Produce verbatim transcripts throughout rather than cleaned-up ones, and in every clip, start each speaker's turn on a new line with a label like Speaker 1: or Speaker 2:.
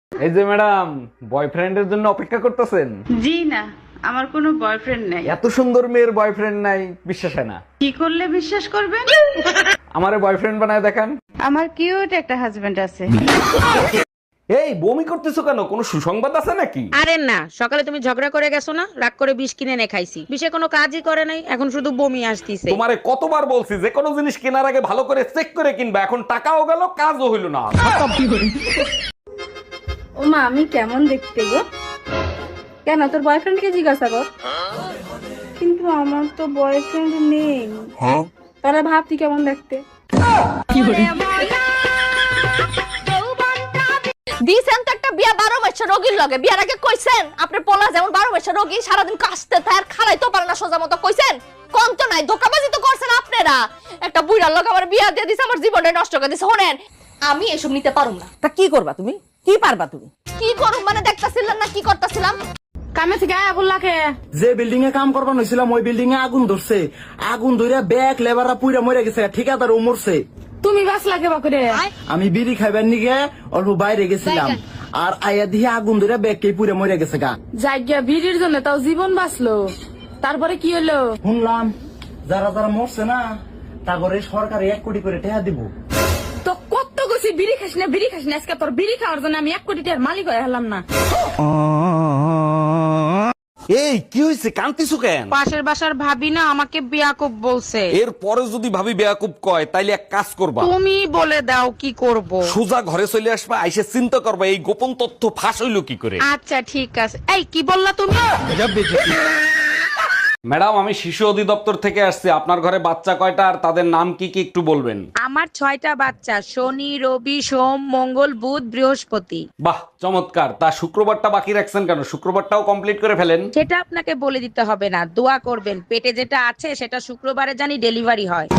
Speaker 1: এই যে ম্যাডাম, বয়ফ্রেন্ডের জন্য অপেক্ষা করতেছেন?
Speaker 2: জি না, আমার কোনো বয়ফ্রেন্ড নাই।
Speaker 1: এত সুন্দর মেয়ের বয়ফ্রেন্ড নাই, বিশ্বাস হয় না।
Speaker 2: কি করলে বিশ্বাস করবেন?
Speaker 1: আমারে বয়ফ্রেন্ড বানায় দেখান।
Speaker 2: আমার কিউট একটা হাজবেন্ড আছে।
Speaker 1: এই বমি করতেছো কেন? কোনো সুসংবাদ আছে নাকি?
Speaker 3: আরে না, সকালে তুমি ঝগড়া করে গেছো না, রাগ করে বিষ কিনে এনে খাইছি। বিষে কোনো কাজই করে নাই, এখন শুধু বমি আসতিছে।
Speaker 1: তোমারে কতবার বলছি যে কোনো জিনিস কেনার আগে ভালো করে চেক করে কিনবা, এখন টাকাও গেল কাজও হইল না।
Speaker 4: ও মা, আমি কেমন দেখতে গো? কেন তোর বয়ফ্রেন্ডকে জিজ্ঞাসা কর। কিন্তু আমার তো বয়ফ্রেন্ড নেই। তারা ভাব তুই কেমন দেখতে।
Speaker 5: দিছেন তো একটা বিয়া বারো মাসের রোগীর লগে, বিয়ার আগে কইছেন আপনার পোলা যেমন বারো মাসের রোগী, সারাদিন কাশতে থাকে আর খালাই তো পারে না সোজা মতো, কইছেন কম তো নাই, ধোকাবাজি তো করছেন আপনারা। একটা বুইড়ার লগে আমার বিয়া দিয়ে দিছে, আমার জীবনটা নষ্ট করে দিছে। শোনেন, আমি এসব নিতে পারুম না।
Speaker 3: তা কি করবা তুমি? কি পারবা তুমি?
Speaker 5: কি করুম মানে দেখতাছিলেন না কি করতেছিলাম?
Speaker 4: কামে থেকে আয়া বললাকে
Speaker 6: যে বিল্ডিং এ কাম করবার হয়েছিলাম ওই বিল্ডিং এ আগুন ধরছে। আগুন ধরে ব্যাগ লেবাররা পুইরা মরে গেছে, ঠিকাদার ও মরছে।
Speaker 4: তুমি বাস লাগে বাকুরে।
Speaker 6: আমি বিড়ি খাইবার নিগে অল্প বাইরে গেছিলাম, আর আয়া দিয়ে আগুন ধরে ব্যাগ কে পুইরা মরে গেছে গা।
Speaker 4: জায়গা ভিড়ির জন্য তাও জীবন বাঁচলো, তারপরে কি হলো?
Speaker 6: শুনলাম যারা যারা মরছে না তারপরে সরকার এক কোটি করে টাকা দিব।
Speaker 4: তো কত গেছি বিড়ি খাস না বিড়ি খাস না, আজকে তোর বিড়ি খাওয়ার জন্য আমি এক কোটি টাকার মালিক হয়ে হলাম না।
Speaker 1: এই কি হয়েছে, কান্তিছো কেন?
Speaker 3: পাশের বাসার ভাবি না আমাকে বিয়াকুব বলছে।
Speaker 1: এর পরে যদি ভাবি বেয়াকুব কয় তাইলে এক কাজ করবা,
Speaker 3: তুমি বলে দাও কি করব।
Speaker 1: সোজা ঘরে চলে আসবা, আইসে চিন্তা করবা এই গোপন তথ্য ফাঁস হইলো কি করে।
Speaker 3: আচ্ছা ঠিক আছে। এই কি বললা তুমি?
Speaker 1: ম্যাডাম, আমি শিশু অধিদপ্তর থেকে আসছি। আপনার ঘরে বাচ্চা কয়টা আর তাদের নাম কি কি একটু বলবেন?
Speaker 3: আমার ছয়টা বাচ্চা, শনি রবি সোম মঙ্গল বুধ বৃহস্পতি।
Speaker 1: বাহ, চমৎকার। তা শুক্রবারটা বাকি রাখছেন কেন? শুক্রবারটাও কমপ্লিট করে ফেলেন।
Speaker 3: সেটা আপনাকে বলে দিতে হবে না, দোয়া করবেন পেটে যেটা আছে সেটা শুক্রবারে জানি ডেলিভারি হয়।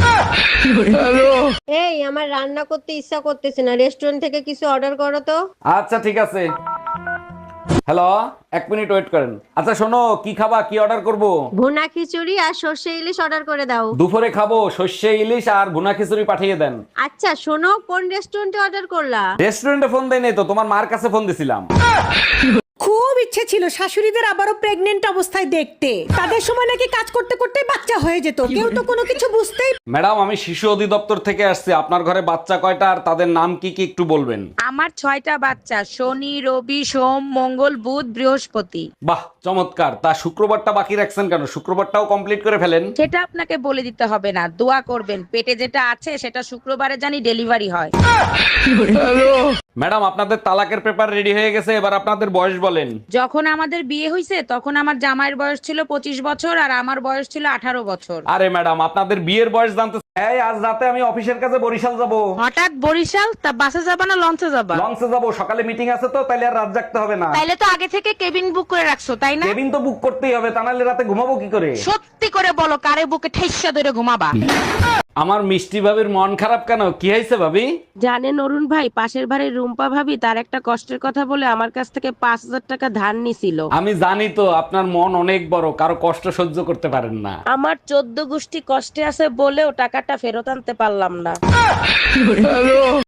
Speaker 7: এই আমার রান্না করতে ইচ্ছা করতেছে না, রেস্টুরেন্ট থেকে কিছু অর্ডার করো তো।
Speaker 1: আচ্ছা ঠিক আছে। হ্যালো, এক মিনিট ওয়েট করেন। আচ্ছা শোনো, কি খাবা, কি অর্ডার করব?
Speaker 7: ভুনা খিচুড়ি আর সর্ষে ইলিশ অর্ডার করে দাও।
Speaker 1: দুপুরে খাবো সর্ষে ইলিশ আর ভুনা খিচুড়ি পাঠিয়ে দেন।
Speaker 7: আচ্ছা শোনো, কোন রেস্টুরেন্টে অর্ডার করলা?
Speaker 1: রেস্টুরেন্টে ফোন দেয় নাই তো, তোমার মার কাছে ফোন দিছিলাম।
Speaker 8: খুব ইচ্ছে ছিল শাশুড়িদের আবারও প্রেগনেন্ট অবস্থায় দেখতে, তাদের সময় নাকি কাজ করতে করতে বাচ্চা হয়ে যেত, কেউ তো কোনো কিছু বুঝতেই।
Speaker 1: ম্যাডাম, আমি শিশু অধিদপ্তর থেকে আসছি। আপনার ঘরে বাচ্চা কয়টা আর তাদের নাম কি কি একটু বলবেন?
Speaker 3: আমার ছয়টা বাচ্চা, শনি রবি সোম মঙ্গল বুধ বৃহস্পতি।
Speaker 1: বাহ, চমৎকার। তা শুক্রবারটা বাকি রাখছেন কেন? শুক্রবারটাও কমপ্লিট করে ফেলেন।
Speaker 3: সেটা আপনাকে বলে দিতে হবে না, দোয়া করবেন পেটে যেটা আছে সেটা শুক্রবারে জানি ডেলিভারি হয়।
Speaker 1: ম্যাডাম, আপনাদের তালাকের পেপার রেডি হয়ে গেছে, এবার আপনাদের বয়স বলেন।
Speaker 3: যখন আমাদের বিয়ে হয়েছে তখন আমার জামাইয়ের বয়স ছিল পঁচিশ বছর আর আমার বয়স ছিল আঠারো বছর।
Speaker 1: আরে ম্যাডাম, আপনাদের বিয়ের বয়স জানতে। এই আজ রাতে আমি অফিসের কাছে বরিশাল যাব।
Speaker 3: হঠাৎ বরিশাল? তা বাসে যাবা না লঞ্চে যাবা?
Speaker 1: লঞ্চে যাব, সকালে মিটিং আছে তো, তাইলে আর রাত জাগতে হবে না।
Speaker 3: তাইলে তো আগে থেকে কেবিন বুক করে রাখছো তাই না?
Speaker 1: কেবিন তো বুক করতেই হবে, তা নাহলে রাতে ঘুমাবো কি করে?
Speaker 3: সত্যি করে বলো, কারে বুকে ঠেসা ধরে ঘুমাবা?
Speaker 1: আমার মিষ্টি ভাবির মন খারাপ কেন? কি হয়েছে ভাবি?
Speaker 3: জানেন অরুণ ভাই, পাশের বাড়ির রুম্পা ভাবি তার একটা কষ্টের কথা বলে আমার কাছ থেকে পাঁচ হাজার টাকা ধার নিছিল।
Speaker 1: আমি জানি তো আপনার মন অনেক বড়, কারো কষ্ট সহ্য করতে পারেন না।
Speaker 3: আমার চোদ্দ গোষ্ঠী কষ্টে আছে বলেও টাকাটা ফেরত আনতে পারলাম না।